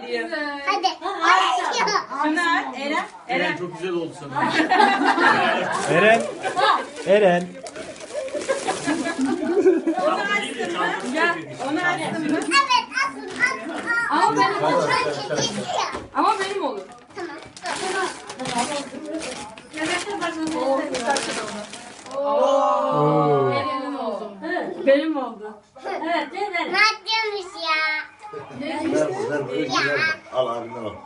Hadi. Şunlar Eren. Eren çok güzel oldu sana. Eren. Eren. Onu açtın mı? Gel. Onu açtın mı? Evet asın. Ama benim olur. Kedisi ya. Ama benim olur. Tamam. Oo. Benim oldu. Benim oldu. Evet, değil mi? Ne yapıyormuş ya? Al abine al.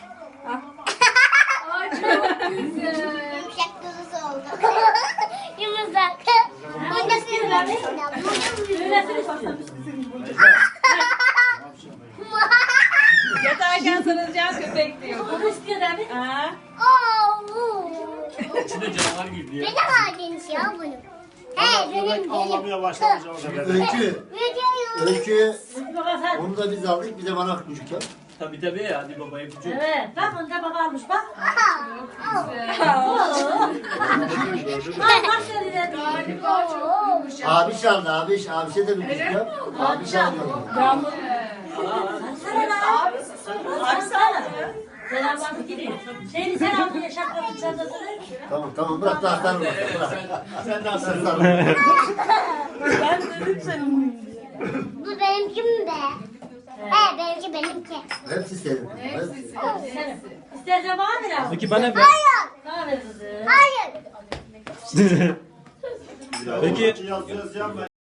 Ay çok güzel. Yumuşak kuzusu oldu. Yumuşak. Burada Yatarken sarılacağın köpek diyor. Bunu istiyor değil mi? Aa. İçinde canavar girdi ya. Ne kadar geniş ya bunun. He benim. Ağlamaya başlamayacağım o sefer. Öykü. Videoyu. Öykü. Baba sen. Onu da biz aldık. Bir de bana küçük yap. Tabii hadi babaya küçük. Evet, bak onu da baba almış bak. Gördün mü? Ay bak şöyle. Abi çaldı abi. Abişe de bir küçük yap. Abi çaldı. Sana lan. Abi sana. Selam abi gidiyor. Şeyini sen aldın ya şapkasını çantasını. Tamam bırak da aslanım. Bırak. Sen de aslanım. Aslanım. Ben dedim senin. Bu benimki mi be? Benimki. Hepsi senin. Hepsi. Senin. İstersen bana ver abi. Peki bana ver. Hayır. Bana ver kızım. Hayır. Peki Yaz yaz